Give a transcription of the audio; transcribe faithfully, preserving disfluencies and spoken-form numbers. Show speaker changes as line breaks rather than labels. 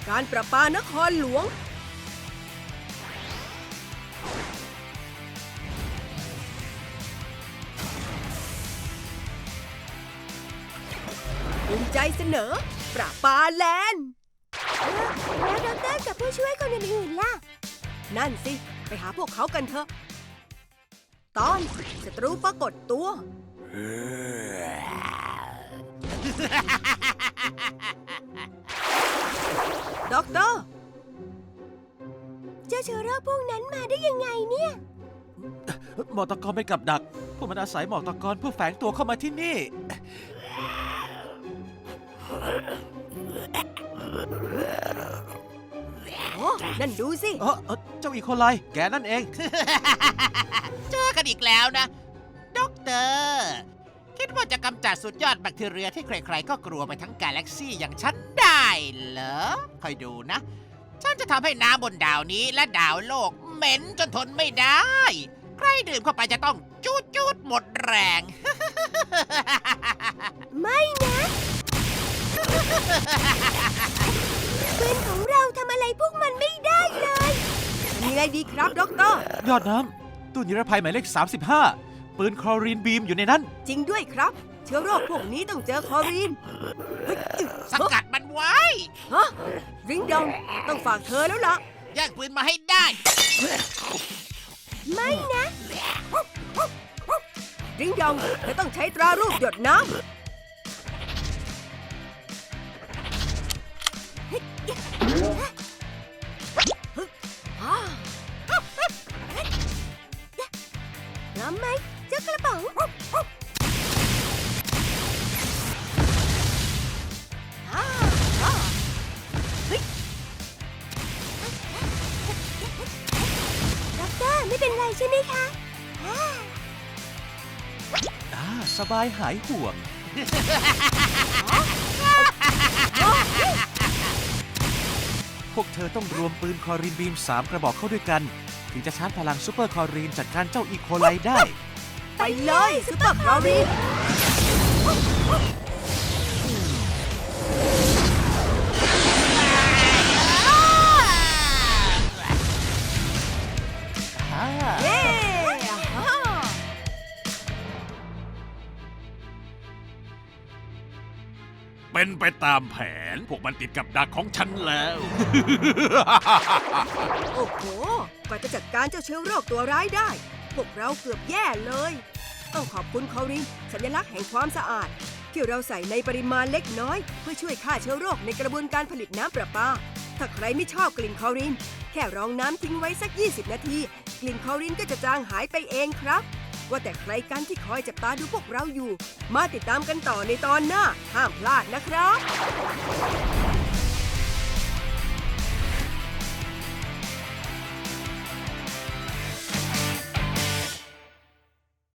การประปานครหลวงภูมิใจเสนอประปาแลนด์แล้วดรกับผู้ช่วยคนอื่นๆล่ะนั่นสิไปหาพวกเขากันเถอะตอนศัตรูปรากฏตัวด็อกเตอร์เจ้าเชื้อโรคพวกนั้นมาได้ยังไงเนี่ย
หมอกตะกอนเป็นกับดักพวกมันอาศัยหมอกตะกอนเพื่อแฝงตัวเข้ามาที่นี่
โอ้นั่นดูสิ
เออเอ่อเจ้าอีโคไลแกนั่นเอง
เจอกันอีกแล้วนะด็อกเตอร์คิดว่าจะกำจัดสุดยอดแบคทีเรียที่ใครๆก็กลัวไปทั้งกาแล็กซี่อย่างฉันได้เหรอคอยดูนะฉันจะทำให้น้ำบนดาวนี้และดาวโลกเหม็นจนทนไม่ได้ใครดื่มเข้าไปจะต้องจูดจูดหมดแรง
ไม่นะปืนของเราทำอะไรพวกมันไม่ได้เลยมีอะไรดีครับด็อกเตอร์
ยอดน้ำตู้นิรภัยหมายเลขสามสิบห้าปืนคลอรีนบีมอยู่ในนั้น
จริงด้วยครับเชื้อโรคพวกนี้ต้องเจอคลอรีน
สกัดมันไว้
ฮะริงดองต้องฝากเธอแล้วล่ะ
แย่งปืนมาให้ได้
ไม่นะริงดองเธอต้องใช้ตรารูปหยดน้ำน้ำไหมเจ้ากระป๋องด็อกเตอร์ไม่เป็นไรใช่ไหมคะ
อ่าสบายหายห่วง พวกเธอต้องรวมปืนคลอรีนบีมสามกระบอกเข้าด้วยกันถึงจะชาร์จพลังซูเปอร์คลอรีนจัดการเจ้าอีโคไลได้
ไปเลยซูเปอร์คลอรีนเย้
เป็นไปตามแผนพวกมันติดกับดักของฉันแล้ว
โอ้โหกว่าจะจัดการเจ้าเชื้อโรคตัวร้ายได้พวกเราเกือบแย่เลยต้องขอบคุณคลอรีนสัญลักษณ์แห่งความสะอาดที่เราใส่ในปริมาณเล็กน้อยเพื่อช่วยฆ่าเชื้อโรคในกระบวนการผลิตน้ำประปาถ้าใครไม่ชอบกลิ่นคลอรีนแค่รองน้ำทิ้งไว้สักยี่สิบนาทีกลิ่นคลอรีนก็จะจางหายไปเองครับว่าแต่ใครกันที่คอยจับตาดูพวกเราอยู่มาติดตามกันต่อในตอนหน้าห้ามพลาดนะครับ